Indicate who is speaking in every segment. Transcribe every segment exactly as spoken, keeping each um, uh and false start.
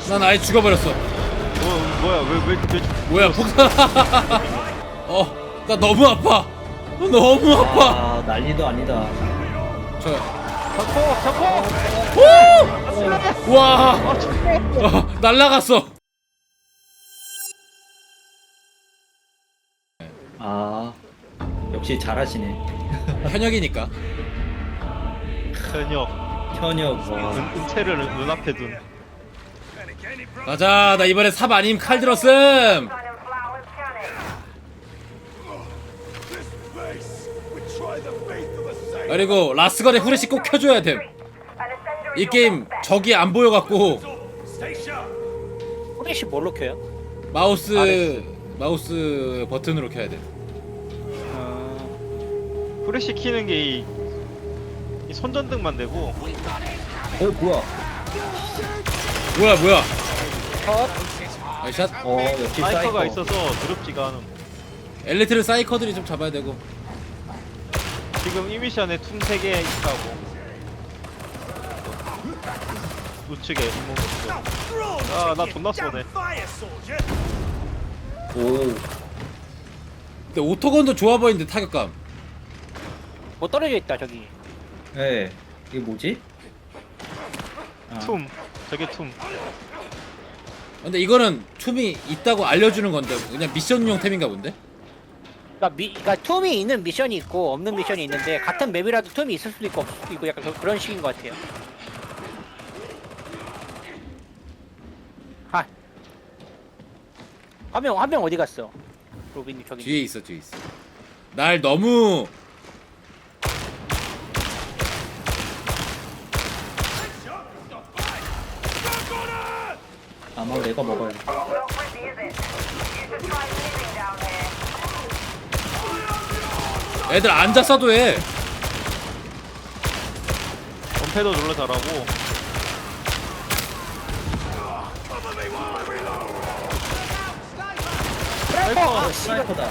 Speaker 1: 난 아예 죽어버렸어.
Speaker 2: 뭐 뭐야 왜왜 왜,
Speaker 1: 뭐야 폭탄. 어, 나 너무 아파. 너무 아파.
Speaker 3: 아 난리도 아니다.
Speaker 1: 저,
Speaker 2: 잡고 잡고
Speaker 1: 오! 와, 어, 날라갔어.
Speaker 3: 아 역시 잘하시네.
Speaker 1: 현역이니까.
Speaker 2: 현역
Speaker 3: 현역 와.
Speaker 2: 은, 은채를 눈앞에 둔
Speaker 1: 가자. 나 이번에 삽 아님 칼 들었음. 그리고 라스건에 후레쉬 꼭 켜줘야 됨. 이 게임 적이 안 보여갖고
Speaker 4: 후레쉬 뭘로 켜요?
Speaker 1: 마우스
Speaker 2: 아레스.
Speaker 1: 마우스 버튼으로 켜야 돼.
Speaker 2: 후레쉬 키는 게 이 이 손전등만 되고
Speaker 3: 어 뭐야?
Speaker 1: 뭐야 뭐야?
Speaker 4: 컷.
Speaker 1: 아이샷.
Speaker 3: 어 역시
Speaker 2: 사이커가
Speaker 3: 사이커.
Speaker 2: 있어서 두렵지가 않음.
Speaker 1: 엘리트를 사이커들이 좀 잡아야 되고.
Speaker 2: 지금 이 미션에 툼 세 개 있다고. 우측에 이모 우측. 아나 존나 쏘네.
Speaker 3: 오.
Speaker 1: 근데 오토건도 좋아 보이는데 타격감.
Speaker 4: 뭐 떨어져 있다 저기.
Speaker 3: 네. 이게 뭐지? 아.
Speaker 2: 툼 저게 툼.
Speaker 1: 근데 이거는 툼이 있다고 알려주는 건데 그냥 미션용 템인가 본데?
Speaker 4: 그러니까, 미, 그러니까 툼이 있는 미션이 있고 없는 미션이 있는데 같은 맵이라도 툼이 있을 수도 있고 없을 수도 있고 약간 그, 그런 식인 것 같아요. 하. 한명 한 명 어디 갔어? 로빈님 저기.
Speaker 1: 뒤에 있어 뒤에 있어. 날 너무
Speaker 3: 아마 내가 먹어야 돼.
Speaker 1: 애들 앉아서도 해.
Speaker 2: 원패도 졸라 잘하고.
Speaker 3: 어, 스나이퍼다.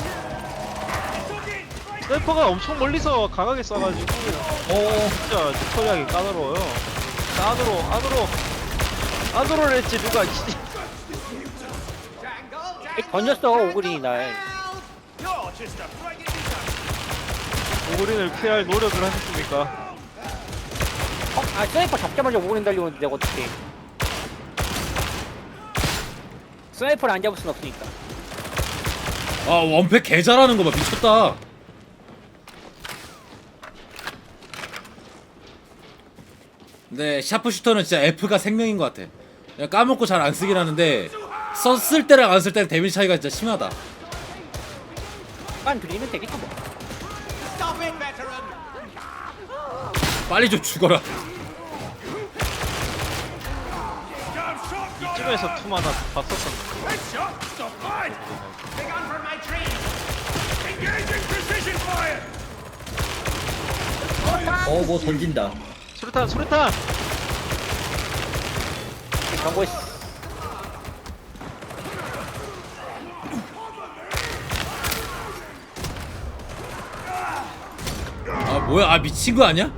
Speaker 2: 스나이퍼가 엄청 멀리서 강하게 쏴가지고
Speaker 3: 어.
Speaker 2: 진짜 처리하기 까다로워요. 자, 안으로 안으로 안으로 냈지 누가. 씨.
Speaker 4: 던졌어 오그린이 날.
Speaker 2: 오그린을 피할 노력을 하셨습니까?
Speaker 4: 어? 아 스나이퍼 잡자마자 오그린 달려오는데 내가 어떡해. 스나이퍼를 안 잡을 순 없으니까.
Speaker 1: 아 원패 개 잘하는 거 봐. 미쳤다. 근데 샤프슈터는 진짜 F가 생명인 것 같아. 그냥 까먹고 잘 안 쓰긴 하는데 썼을 때랑 안 쓸 때랑 데미지 차이가 진짜 심하다.
Speaker 4: 깐 들이면 되겠지 뭐.
Speaker 1: 빨리 좀 죽어라.
Speaker 2: 이쯤에서 툼 하나 봤었었는데.
Speaker 3: 어 뭐 던진다.
Speaker 2: 수류탄 수류탄.
Speaker 4: 경고했어.
Speaker 1: 아 뭐야? 아 미친 거 아니야?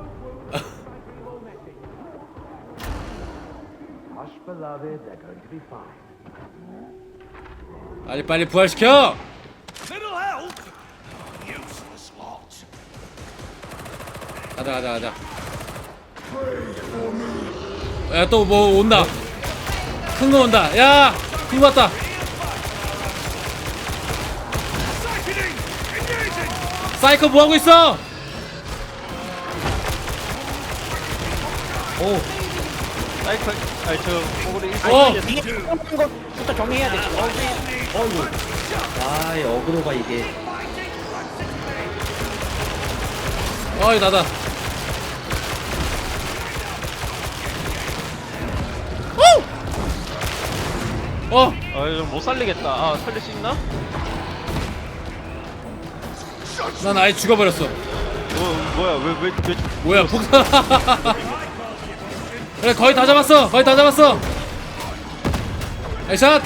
Speaker 1: 빨리 빨리 부활시켜. 가자 가자 가자. 야 또 뭐 온다. 큰 거 온다. 야, 큰 거 왔다. 사이커 뭐 하고 있어?
Speaker 3: 오.
Speaker 2: 사이커 아니 저 오그린
Speaker 1: 어.
Speaker 4: 이게 그런 것부터 정리해야 돼.
Speaker 3: 어이구. 아, 이 어그로가 이게.
Speaker 1: 어이 나다. 어!
Speaker 2: 아좀 못 살리겠다. 아 살릴 수 있나?
Speaker 1: 난 아예 죽어버렸어.
Speaker 2: 뭐 뭐야 왜왜 왜, 왜,
Speaker 1: 뭐야 폭탄. 그래 거의 다 잡았어. 거의 다 잡았어. 에샷.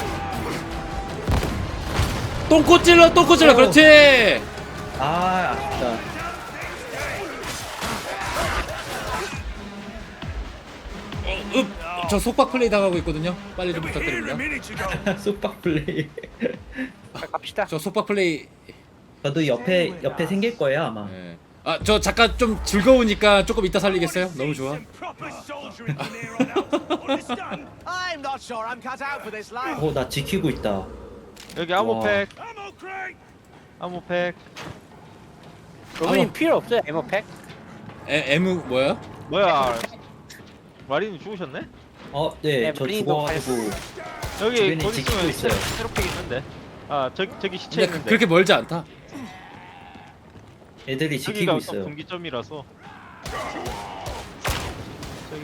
Speaker 1: 똥꼬 찔러 똥꼬 찔러. 그렇지.
Speaker 3: 아, 아쉽다.
Speaker 1: 어, 읍. 저 속박 플레이 당하고 있거든요. 빨리 좀 부탁드립니다.
Speaker 3: 쑥박 플레이.
Speaker 4: 가- 갑시다.
Speaker 1: 저 속박 플레이.
Speaker 3: 저도 옆에 옆에 생길 거예요 아마.
Speaker 1: 예. 아, 저 잠깐 좀 즐거우니까 조금 이따 살리겠어요? 너무 좋아.
Speaker 5: I'm not sure I'm cut out for this life.
Speaker 3: 어 나 지키고 있다.
Speaker 2: 여기
Speaker 3: 와.
Speaker 2: 암호팩 암호팩
Speaker 4: 로빈님
Speaker 1: 어.
Speaker 4: 필요 없어요 에모팩?
Speaker 1: 에, 에무 뭐야?
Speaker 2: 뭐야 마린이 죽으셨네?
Speaker 3: 어,
Speaker 4: 네,
Speaker 3: 네, 저
Speaker 4: 브리도
Speaker 3: 죽어가지고
Speaker 2: 여기
Speaker 3: 주변에
Speaker 2: 곧
Speaker 3: 지키고
Speaker 2: 있으면
Speaker 3: 있어요.
Speaker 2: 새- 새롭게 있는데 아 저기 저기 시체
Speaker 1: 근데 그,
Speaker 2: 있는데
Speaker 1: 그렇게 멀지 않다.
Speaker 3: 애들이
Speaker 2: 여기가
Speaker 3: 지키고
Speaker 2: 또
Speaker 3: 있어요.
Speaker 2: 분기점이라서 저기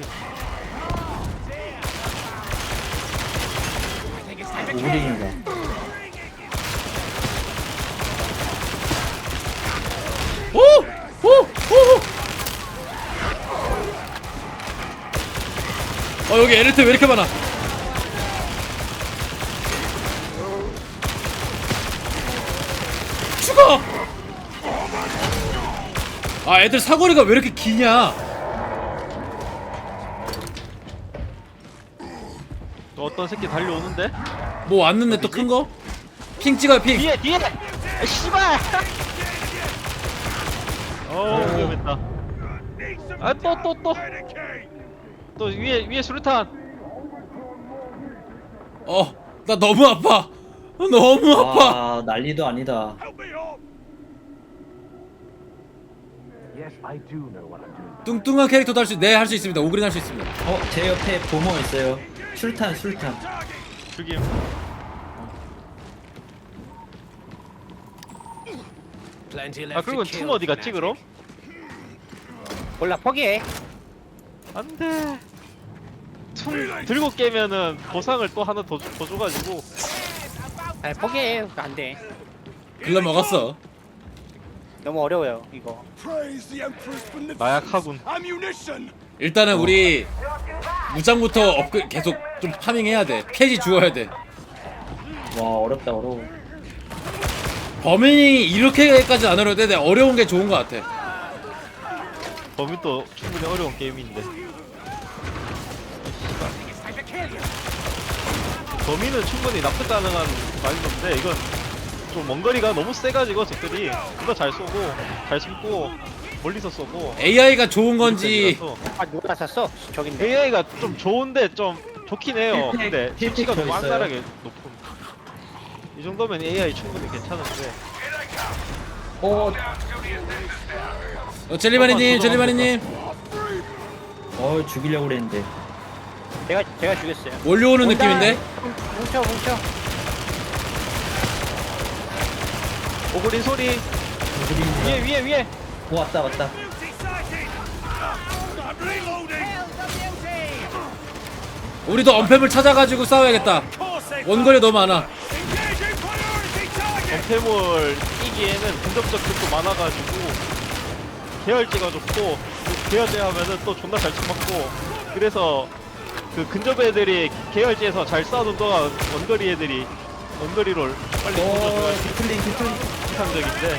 Speaker 3: 오그린이다.
Speaker 1: 오! 오! 오! 어, 여기 에르트 왜 이렇게 많아? 죽어! 아, 애들 사거리가 왜 이렇게 기냐?
Speaker 2: 또 어떤 새끼 달려오는데?
Speaker 1: 뭐 왔는데 또 큰 거? 핑 찍어요, 핑.
Speaker 2: 뒤에 뒤에! 아, 씨발! 어 위험했다. 아 또 또 또 또 위에 위에 수류탄.
Speaker 1: 어, 나 너무 아파. 너무 아파.
Speaker 3: 아 난리도 아니다.
Speaker 1: 뚱뚱한 캐릭터도 할 수, 네, 할 수 있습니다. 오그린 할 수 있습니다.
Speaker 3: 어 제 옆에 보모 있어요. 술탄 술탄.
Speaker 2: 죽임.
Speaker 5: Plenty left
Speaker 2: 아 그리고
Speaker 5: to
Speaker 2: 춤
Speaker 5: kill,
Speaker 2: 어디 갔지 그럼?
Speaker 4: 몰라 포기해.
Speaker 2: 안돼. 춤 들고 깨면은 보상을 또 하나 더, 줘- 더 줘가지고
Speaker 4: 아니 포기해. 안 돼.
Speaker 1: 글러 먹었어.
Speaker 4: 너무 어려워요 이거.
Speaker 2: 나약하군.
Speaker 1: 일단은 우리 무장부터 업그 계속 좀 파밍해야 돼. 캐지 주어야 돼.
Speaker 3: 와 어렵다 어려워.
Speaker 1: 범인이 이렇게까지 안 어려운데 내가 어려운 게 좋은 것 같아.
Speaker 2: 범인도 충분히 어려운 게임인데. 범인은 충분히 납득 가능한 마인드인데 이건 좀 먼거리가 너무 세가지고 적들이 그거 잘 쏘고 잘 숨고 멀리서 쏘고
Speaker 1: 에이아이가 좋은 건지
Speaker 4: 아 누가 샀어? 저긴데.
Speaker 2: 에이아이가 좀 좋은데 좀 좋긴 해요.
Speaker 3: 힐팩,
Speaker 2: 근데
Speaker 3: 힐팩
Speaker 2: 수치가 너무
Speaker 3: 더 있어요.
Speaker 2: 안달하게 높은. 이 정도면 에이아이 충분히 괜찮은데.
Speaker 3: 어,
Speaker 1: 어, 젤리마니님, 젤리마니님
Speaker 3: 어 죽이려고 그랬는데.
Speaker 4: 제가 제가 죽였어요.
Speaker 1: 몰려오는
Speaker 4: 온다.
Speaker 1: 느낌인데?
Speaker 4: 뭉쳐 뭉쳐.
Speaker 2: 오그린 소리
Speaker 3: 오그린이다.
Speaker 2: 위에 위에 위에.
Speaker 3: 오 왔다 왔다.
Speaker 1: 우리도 언팸을 찾아가지고 싸워야겠다. 원거리 너무 많아.
Speaker 2: 전패물 이기에는 근접적 득도 많아가지고 계열제가 좋고 계열제 하면은 또 존나 잘 쳐맞고 그래서 그 근접 애들이 계열제에서 잘 싸우는 동안 원거리 애들이 원거리를 빨리
Speaker 3: 어
Speaker 2: 던져줘야
Speaker 3: 디플링 디플링.
Speaker 2: 이상적인데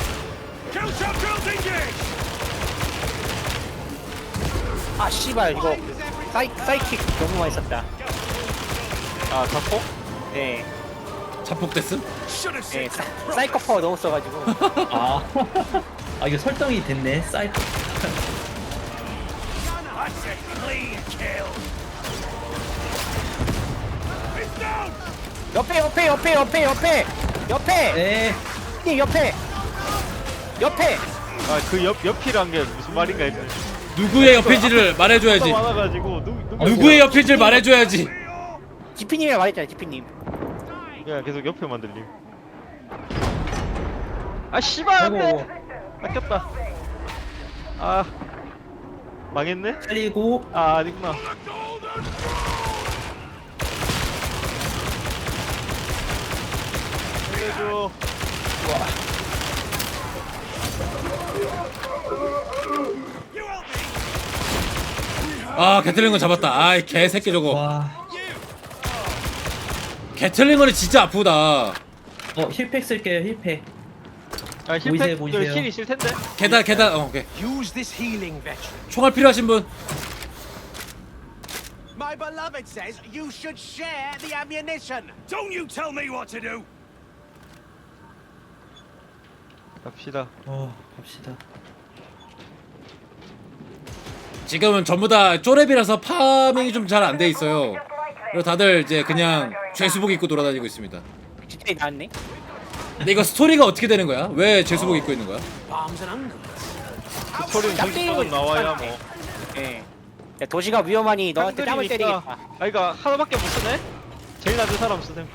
Speaker 4: 아 씨발 이거 사이 사이킥 너무 많이 썼다.
Speaker 2: 아 자폭?
Speaker 4: 네.
Speaker 1: 자폭됐음?
Speaker 4: 네. 사, 사이코 파워 너무 써가지고.
Speaker 3: 아, 아 이거 설정이 됐네. 사이트.
Speaker 4: 옆에 옆에 옆에 옆에 옆에 옆에
Speaker 3: 네.
Speaker 4: 님 옆에 옆에
Speaker 2: 아 그 옆 옆이란 게 무슨 말인가 했더니
Speaker 1: 누구의 옆인지를 말해줘야지.
Speaker 2: 많아가지고 누 누구
Speaker 1: 누구의 옆인지를 말해줘야지.
Speaker 4: 지피님이랑 말했잖아요 지피님.
Speaker 2: 야 계속 옆에만 들림. 아 씨발 안돼.
Speaker 3: 아이고.
Speaker 2: 뺏겼다. 아 망했네?
Speaker 3: 살리고.
Speaker 2: 아 아니구나. 살려줘.
Speaker 1: 아, 개틀링건 잡았다. 아이, 개새끼 저거.
Speaker 3: 와.
Speaker 1: 개틀링건이 진짜 아프다.
Speaker 3: 어 힐팩 쓸게요 힐팩.
Speaker 2: 아
Speaker 3: 보이세요,
Speaker 2: 힐팩
Speaker 3: 보이세요?
Speaker 2: 힐 있을 텐데.
Speaker 1: 계단, 계단, 어, 오케이.
Speaker 5: Use this healing veteran.
Speaker 1: 총알 필요하신 분?
Speaker 5: My beloved says you should share the ammunition.
Speaker 6: Don't you tell me what to do!
Speaker 2: 갑시다.
Speaker 3: 어 갑시다.
Speaker 1: 지금은 전부 다 쪼렙이라서 파밍이 좀 잘 안 돼 있어요. 그리고 다들 이제 그냥 죄수복 입고 돌아다니고 있습니다.
Speaker 4: 진짜 나왔네.
Speaker 1: 근데 이거 스토리가 어떻게 되는 거야? 왜 죄수복 입고 있는 거야?
Speaker 2: 그 소리는 정식으로 나와야 뭐.
Speaker 4: 예. 야, 도시가 위험하니 너한테 땀을 때리겠다.
Speaker 2: 아, 그러니까 하나밖에 못 쓰네. 제일 낮은 사람 쓰셈.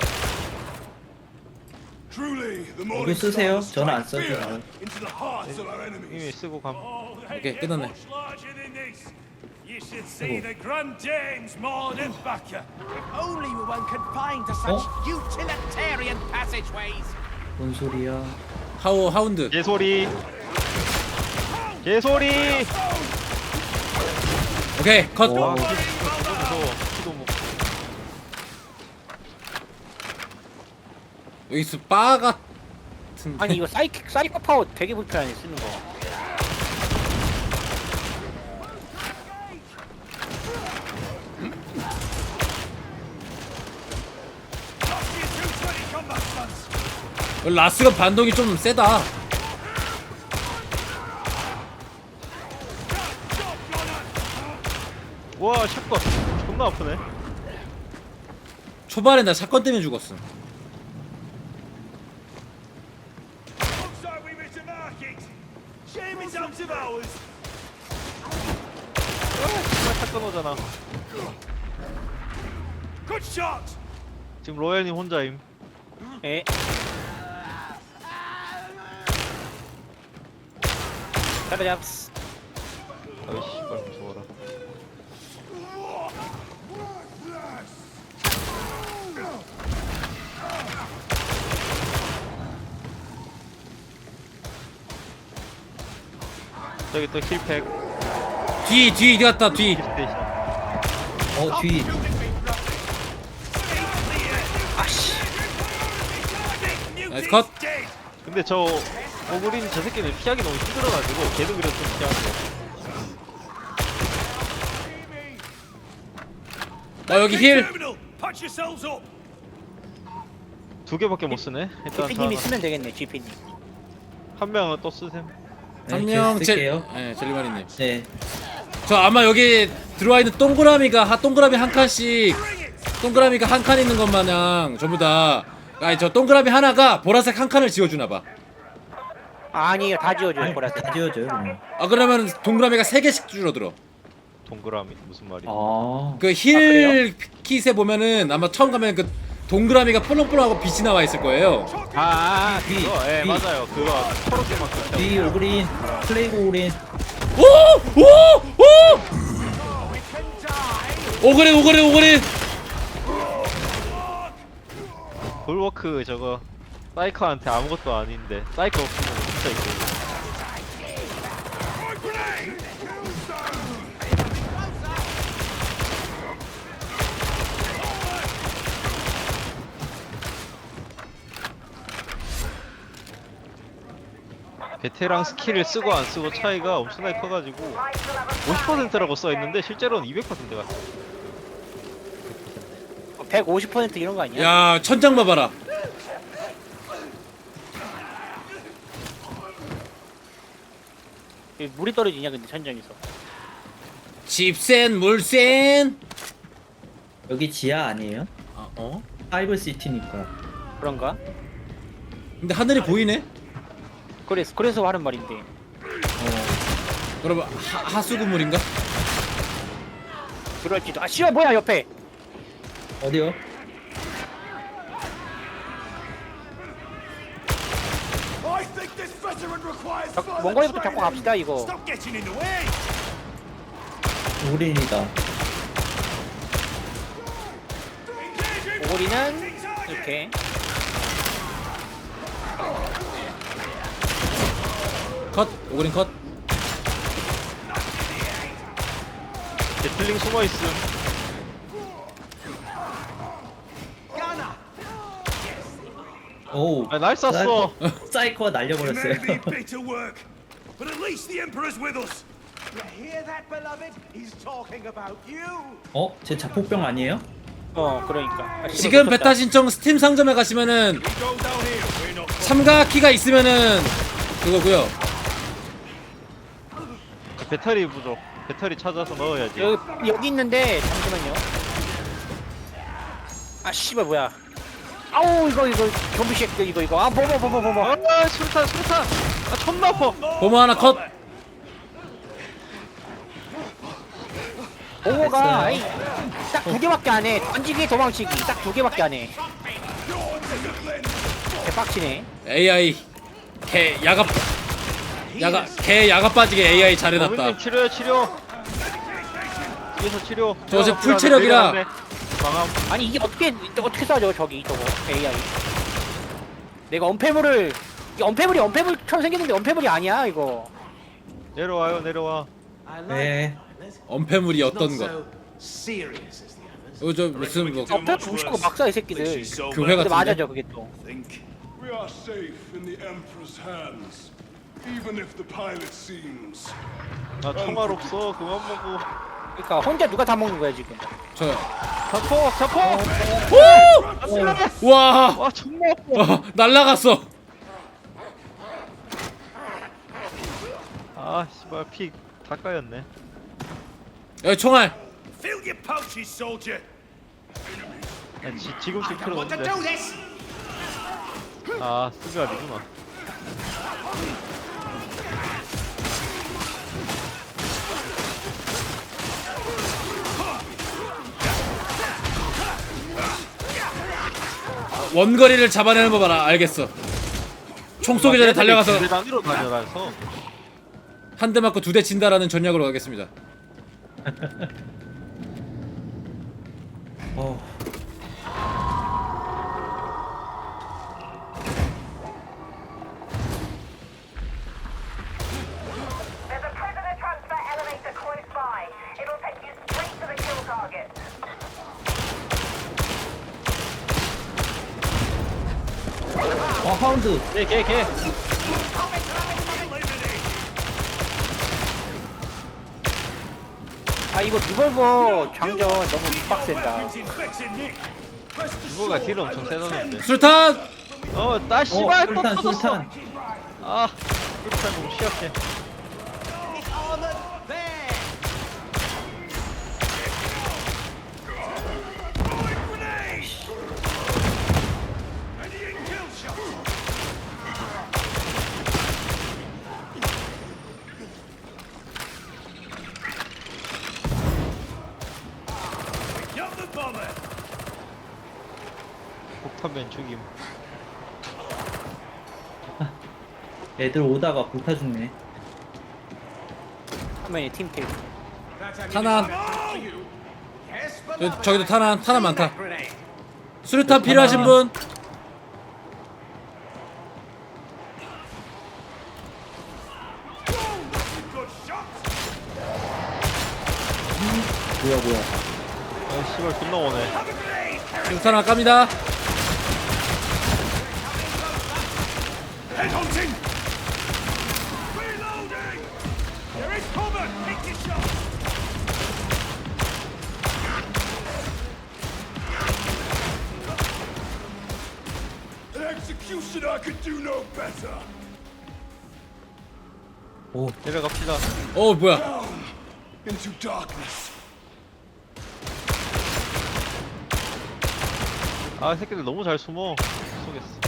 Speaker 6: Truly, the
Speaker 3: 이거
Speaker 6: morning
Speaker 3: 쓰세요.
Speaker 6: stars
Speaker 3: 저는 안
Speaker 6: strike
Speaker 3: 써도
Speaker 6: fear
Speaker 3: 돼요.
Speaker 6: into the hearts of our
Speaker 2: 이미
Speaker 6: enemies.
Speaker 2: 쓰고 감.
Speaker 1: 오케이, 끝났네.
Speaker 6: Much larger than this. You should see the Grand Danes Maud and Bacca.
Speaker 5: If only we weren't confined to such utilitarian passageways.
Speaker 3: 뭔 소리야?
Speaker 1: 하우 하운드.
Speaker 2: 개소리. 개소리.
Speaker 1: 오케이 컷.
Speaker 2: 와, 진짜 무서워. 키도 못.
Speaker 1: 여기서 바 같은.
Speaker 4: 아니 이거 사이 사이코 파워 되게 불편하네 쓰는 거.
Speaker 6: Lost you two twenty combat stunts.
Speaker 1: 라스가 반동이 좀 세다.
Speaker 2: 와, 샷건. 존나 아프네.
Speaker 1: 초반에 나 사건 때문에 죽었음.
Speaker 6: Looks like we missed a market. Shame it's out of ours.
Speaker 2: 정말 샷건 오잖아.
Speaker 6: Good shot.
Speaker 2: 지금 로얄님 혼자임.
Speaker 4: 예. 따라잡스.
Speaker 2: 아이 씨발 무서워라. 저기 또 힐팩.
Speaker 1: 뒤, 뒤 갔다 뒤.
Speaker 2: 힐스테이션.
Speaker 3: 어 뒤.
Speaker 1: 나이스 컷.
Speaker 6: Dead.
Speaker 2: 근데 저 오그린 저 새끼는 피하기 너무 힘들어가지고 걔도 그래서 좀 피하는 거.
Speaker 1: 나 여기 힐.
Speaker 6: Terminal. Patch yourselves up.
Speaker 2: 두 개밖에 못 쓰네. 일단
Speaker 4: 지피님이 쓰면 되겠네 지피님.
Speaker 2: 한 명은 또 쓰셈.
Speaker 3: 네,
Speaker 1: 한명
Speaker 3: 제가
Speaker 1: 제.
Speaker 3: 쓸게요.
Speaker 1: 네, 젤리마리님.
Speaker 3: 네.
Speaker 1: 저 아마 여기 들어와 있는 동그라미가 하 동그라미 한 칸씩 동그라미가 한 칸 있는 것 마냥 전부 다. 아니 저 동그라미 하나가 보라색 한 칸을 지워주나 봐.
Speaker 4: 아니요 다 지워줘요 보라색.
Speaker 3: 다 지워져요 그러면.
Speaker 1: 아 그러면 동그라미가 세 개씩 줄어들어.
Speaker 2: 동그라미 무슨 말이야?
Speaker 3: 아.
Speaker 1: 그 힐 킷에 보면은 아마 처음 가면 그 동그라미가 폴렁폴렁하고 빛이 나와 있을 거예요.
Speaker 2: 아, 아, 아
Speaker 3: 뒤,
Speaker 2: 그거, 예
Speaker 3: 뒤.
Speaker 2: 맞아요. 그거 초록색만 그
Speaker 3: 뒤 오그린 플레이그 오그린.
Speaker 1: 오! 오! 오! 오그래 오그래 오그래.
Speaker 2: 볼워크 저거 사이커한테 아무것도 아닌데 사이커 없으면 진짜 있고. 베테랑 스킬을 쓰고 안 쓰고 차이가 엄청나게 커가지고 오십 퍼센트라고 써있는데 실제로는 이백 퍼센트 같아.
Speaker 4: 백오십 퍼센트 이런 거 아니야?
Speaker 1: 야 천장 봐봐라.
Speaker 4: 여기 물이 떨어지냐 근데 천장에서.
Speaker 1: 집센 물센.
Speaker 3: 여기 지하 아니에요?
Speaker 1: 아, 어?
Speaker 3: 파이브 시티니까.
Speaker 4: 그런가?
Speaker 1: 근데 하늘이 보이네.
Speaker 4: 그래서 그래서 하는 말인데.
Speaker 3: 어.
Speaker 1: 그러면 하, 하수구물인가?
Speaker 4: 그럴지도. 아 씨발 뭐야 옆에.
Speaker 3: 어디요?
Speaker 6: I think this veteran requires
Speaker 4: 자,
Speaker 6: further
Speaker 4: 원거리부터 잡고
Speaker 6: training.
Speaker 4: 갑시다 이거.
Speaker 6: Stop getting in the way.
Speaker 3: 오그린이다.
Speaker 4: 오리는 이렇게.
Speaker 1: 컷. 오그린 컷.
Speaker 2: 제틀링 숨어있음.
Speaker 3: 오.
Speaker 2: 아, 날 쐈어.
Speaker 3: 사이코- 사이코가
Speaker 6: It may be
Speaker 3: 날려버렸어요.
Speaker 6: bitter work, but at least the Emperor's with us.
Speaker 5: hear that, beloved? He's talking about you.
Speaker 3: 어? 제 자폭병 아니에요?
Speaker 4: 어 그러니까. 아, 씨발,
Speaker 1: 지금
Speaker 4: 놓쳤다.
Speaker 1: 베타 신청 스팀 상점에 가시면은
Speaker 6: Go down here. We're not.
Speaker 1: 참가 키가 있으면은 그거고요.
Speaker 2: 배터리 부족. 배터리 찾아서 넣어야지.
Speaker 4: 여기 여기 있는데 잠시만요. 아 씨발 뭐야? 아우 이거 이거 좀비 새끼 이거 이거 아 뭐뭐 뭐뭐 뭐뭐.
Speaker 2: 아 수류탄 수류탄. 아 존나 아파.
Speaker 1: 보모 하나 컷.
Speaker 4: 보호가
Speaker 3: 됐어요.
Speaker 4: 딱 두 개밖에 안 해. 던지기 도망치기 딱 두 개밖에 안 해. 개빡치네.
Speaker 1: 에이아이 개 야가 야가 개 야가 빠지게 에이아이 잘해놨다.
Speaker 2: 어머님 치료해 치료. 뒤에서 치료.
Speaker 1: 저 어제 풀 체력이라.
Speaker 2: 망함.
Speaker 4: 아니 이게 어떻게 어떻게 쏴줘 저기 저거 에이아이. 내가 언패물을 이 언패물이 언패물처럼 생겼는데 언패물이 아니야 이거.
Speaker 2: 내려와요 내려와.
Speaker 5: I like
Speaker 3: 네.
Speaker 5: this.
Speaker 1: 엄폐물이
Speaker 5: Not
Speaker 1: 어떤 거?
Speaker 5: so serious as the others.
Speaker 1: 이거 저 무슨 뭐
Speaker 4: 언패 부시고 막 쏴 이 새끼들.
Speaker 1: 교회
Speaker 4: 근데
Speaker 1: 같은데?
Speaker 4: 맞아죠 그게 또.
Speaker 6: Think.
Speaker 7: We are safe in the Emperor's hands, even if the pilot seems.
Speaker 2: 나 총알 없어. 그만 먹고.
Speaker 4: 그러니까 혼자 누가 다 먹는 거야 지금.
Speaker 1: 저요.
Speaker 2: 자포 자포.
Speaker 1: 와
Speaker 2: 와 존나 아파.
Speaker 1: 어, 날라갔어.
Speaker 2: 아 씨발 피 다 까였네.
Speaker 1: 여기 총알.
Speaker 6: Fill your pouches, soldier.
Speaker 2: 아, 지, 지금 쓸 필요
Speaker 5: Want to
Speaker 2: 없는데.
Speaker 5: do this?
Speaker 2: 아 스가리구나.
Speaker 1: 원거리를 잡아내는 거 봐라. 알겠어. 총 쏘기 전에 달려가서
Speaker 2: 배 단위로 다녀라서.
Speaker 1: 한 대 맞고 두 대 친다라는 전략으로 가겠습니다.
Speaker 3: 어.
Speaker 8: There's a prisoner transfer elevator close by. It'll take you straight to the kill target.
Speaker 3: 어, 하운드.
Speaker 2: 개개 개.
Speaker 4: 아 이거 리볼버 장전 너무 빡센다.
Speaker 6: Infected Nick.
Speaker 2: 이거가 딜 엄청 세다는데.
Speaker 1: 수류탄.
Speaker 2: 어나
Speaker 3: 어,
Speaker 2: 씨발 또
Speaker 3: 술탄,
Speaker 2: 터졌어.
Speaker 3: 술탄.
Speaker 2: 아 술탄 너무 시약해.
Speaker 5: It's armored there.
Speaker 6: Grenade. Readying kill shot. Got the bomber.
Speaker 2: 폭탄맨 죽임.
Speaker 3: 애들 오다가 불타 죽네.
Speaker 4: 화면에 팀킬.
Speaker 1: 탄환.
Speaker 5: Yes,
Speaker 1: 저,
Speaker 5: beloved.
Speaker 1: 저기도 탄환. 탄환 많다.
Speaker 5: Grenade.
Speaker 1: 수류탄 필요하신 분?
Speaker 6: Good shot.
Speaker 3: 뭐야, 뭐야.
Speaker 2: 아 씨발 존나 오네.
Speaker 1: 수류탄 하나 깝니다.
Speaker 6: Headhunting. Reloading. There is cover. Take your shot.
Speaker 7: An executioner could do no better.
Speaker 3: 오,
Speaker 2: 내려갑시다.
Speaker 1: 어 뭐야?
Speaker 7: Into darkness.
Speaker 2: 아 이 새끼들 너무 잘 숨어. 쏘겠어.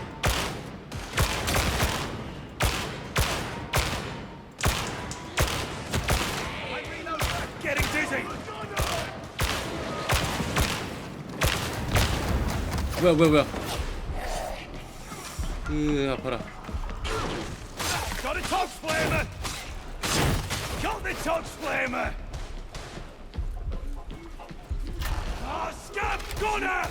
Speaker 6: Getting dizzy.
Speaker 1: 뭐야 뭐야 뭐야? 으 아파라.
Speaker 6: Got a Tox Flamer. Got the Tox Flamer. Ah, scab gunner.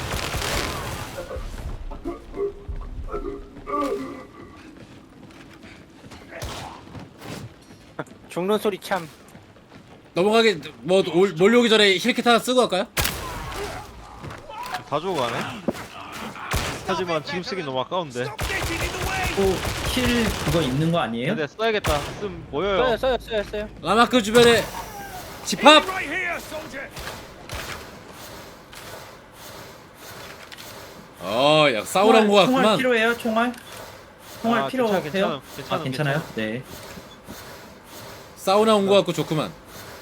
Speaker 4: 죽는 소리 참.
Speaker 1: 넘어가기 뭐 올, 몰려오기 전에 힐킷 하나 쓰고 갈까요?
Speaker 2: 다 죽어가네. 하지만 지금 쓰기 너무 아까운데.
Speaker 6: Stop getting in the way!
Speaker 3: 또킬 그거 있는 거 아니에요?
Speaker 2: 근데 써야겠다. 쓰면
Speaker 4: 써요
Speaker 2: 모여요.
Speaker 4: 써요 써요 써요.
Speaker 1: 라마크 주변에 집합.
Speaker 6: Right here, soldier!
Speaker 1: 어, 야 싸우러 온거
Speaker 3: 총알
Speaker 1: 같구만.
Speaker 3: 필요해요? 총알? 총알
Speaker 2: 아,
Speaker 3: 필요해요?
Speaker 2: 괜찮아, 괜찮아,
Speaker 3: 아 괜찮아요? 네.
Speaker 1: 사우나 온 거 같고 좋구만.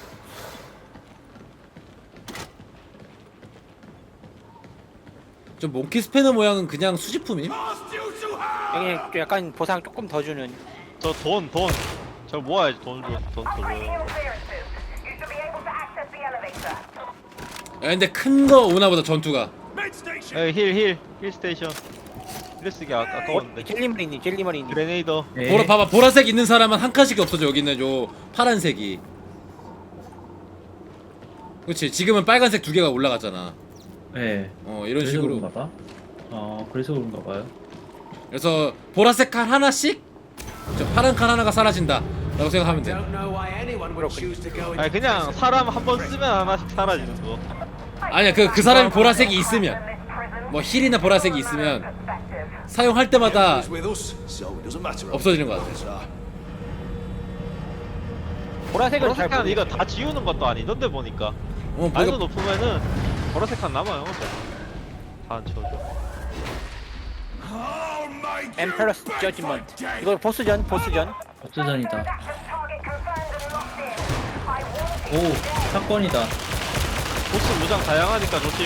Speaker 1: 저 몽키 스패너 모양은 그냥 수집품임?
Speaker 6: Past you to hell!
Speaker 4: 여기 좀 약간 보상 조금 더 주는.
Speaker 2: 저 돈, 돈. 저 모아야지 돈 줘, 돈 줘.
Speaker 8: Upgrade heal clearances. You should be able to access the elevator.
Speaker 1: 야 근데 큰 거 오나 보다 전투가.
Speaker 6: Med station!
Speaker 2: 에이 힐, 힐, 힐 스테이션. 힐 쓰기 아, 아까웠는데.
Speaker 4: 젤리머리님 젤리머리님.
Speaker 2: 그레네이더.
Speaker 3: 네.
Speaker 1: 보라 봐봐 보라색 있는 사람은 한 칸씩 없어져. 여기는 요 파란색이. 그렇지 지금은 빨간색 두 개가 올라갔잖아.
Speaker 3: 네.
Speaker 1: 어 이런
Speaker 3: 그래서
Speaker 1: 식으로.
Speaker 3: 그런가 봐. 어 그래서 그런가 봐요.
Speaker 1: 그래서 보라색 칸 하나씩 저 파란 칸 하나가 사라진다 라고 생각하면 돼.
Speaker 5: Don't know why anyone would choose to go into
Speaker 2: 아니 그냥 사람 한 번 쓰면 하나씩 사라지는 거.
Speaker 1: 아니야 그 그 사람이 보라색이 있으면 뭐 힐이나 보라색이 있으면 사용할 때마다
Speaker 6: with us, so it doesn't matter.
Speaker 1: 없어지는 것 같아.
Speaker 6: So,
Speaker 4: 보라색은 잘
Speaker 2: 보라색한
Speaker 4: 모르.
Speaker 2: 이거 다 지우는 것도 아니던데 보니까.
Speaker 1: 어
Speaker 2: 난이도
Speaker 1: 보라,
Speaker 2: 높으면은 보라색한 남아요. 다안 채워져.
Speaker 6: I'll make you
Speaker 4: 엠페러스
Speaker 6: beg
Speaker 4: 저지먼트.
Speaker 6: for death.
Speaker 4: 이거 보스전 보스전.
Speaker 3: 어쩌전이다. 오 사건이다.
Speaker 2: 보스 무장 다양하니까 조심.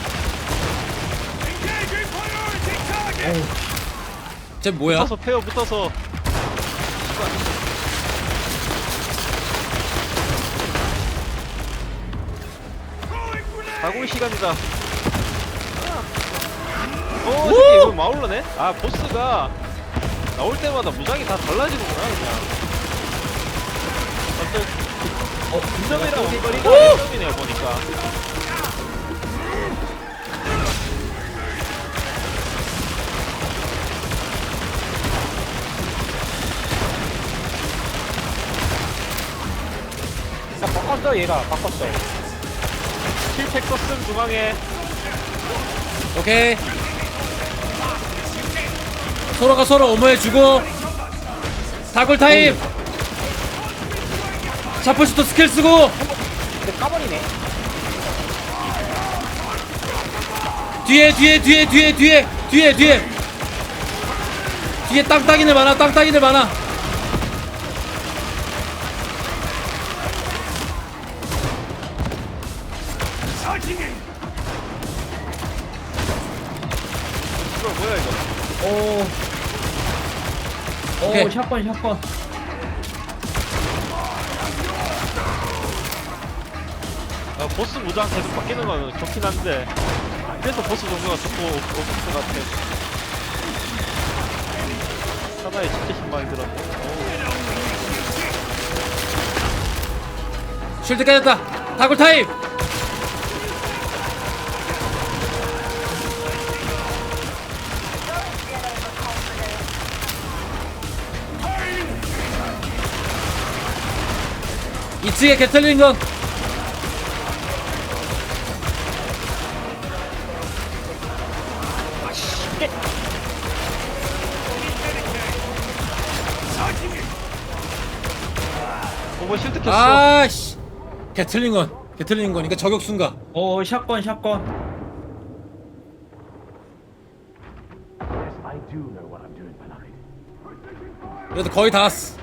Speaker 6: Engaging priority target!
Speaker 1: 쟤 뭐야?
Speaker 2: 붙어서 페어 붙어서.
Speaker 6: Throwing grenade!
Speaker 2: 가고의 시간이다. 어, 새끼 이거 마울러네? 아, 보스가 나올 때마다 무장이 다 달라지는구나, 그냥. 어떤, 어, 분점이랑 원거리가 분점이네요, 보니까.
Speaker 4: 야 바꿨어 얘가 바꿨어.
Speaker 2: 킬팩 썼음 중앙에.
Speaker 1: 오케이 서로가 서로 어머해주고 다굴 타임 샤프슈터 스킬 쓰고
Speaker 4: 근데 까버리네.
Speaker 1: 뒤에 뒤에 뒤에 뒤에 뒤에 뒤에 뒤에 뒤에 땅땅이들 많아 땅땅이들 많아
Speaker 6: Charging in!
Speaker 2: 이거 뭐야, 이거.
Speaker 3: 오.
Speaker 1: 오케이.
Speaker 3: 오 샷건 샷건.
Speaker 2: 아, 보스 무장 계속 바뀌는 거는 좋긴 한데. 그래서 보스 종류가 좋고, 없을 것 같아. 하나에 진짜 신망이 들었네.
Speaker 1: 쉴드 깨졌다 다굴 타임 이 층에 개털린 건
Speaker 2: 오버 실드 켰어.
Speaker 1: 아씨 개틀린 건 개틀린 거니까 저격수인가
Speaker 3: 오 샷건 샷건.
Speaker 1: 그래도 거의 다 왔어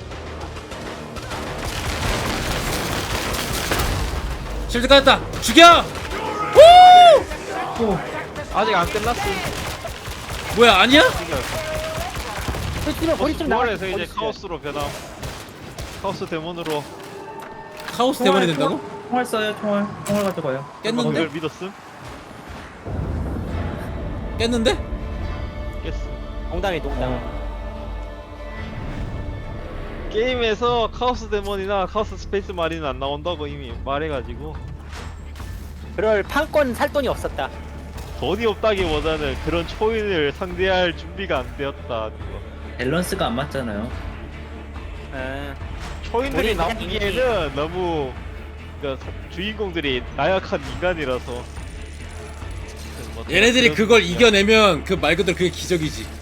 Speaker 1: 실드 까졌다 죽여
Speaker 2: 아직 안 끝났어.
Speaker 1: 뭐야 아니야?
Speaker 4: 버리쯤 버리쯤 나가.
Speaker 2: 구월에서 이제 카오스로 변함. 카오스 데몬으로.
Speaker 1: 카오스 대본이 된다고?
Speaker 3: 총알 쏴요 총알. 총알 가져가요.
Speaker 1: 깼는데?
Speaker 2: 그걸 믿었음?
Speaker 1: 깼는데?
Speaker 2: 깼음.
Speaker 4: 농담이 농담.
Speaker 3: 어.
Speaker 2: 게임에서 카오스 데몬이나 카오스 스페이스 마린은 안 나온다고 이미 말해가지고
Speaker 4: 그럴 판권 살 돈이 없었다.
Speaker 2: 돈이 없다기보다는 그런 초인을 상대할 준비가 안 되었다.
Speaker 3: 밸런스가 안 맞잖아요.
Speaker 4: 음.
Speaker 2: 초인들이
Speaker 4: 우리 그냥
Speaker 2: 나오기에는 너무 그러니까 주인공들이 나약한 인간이라서 뭐
Speaker 1: 얘네들이
Speaker 2: 그런
Speaker 1: 그걸
Speaker 2: 느낌이야.
Speaker 1: 이겨내면 그 말 그대로 그게 기적이지.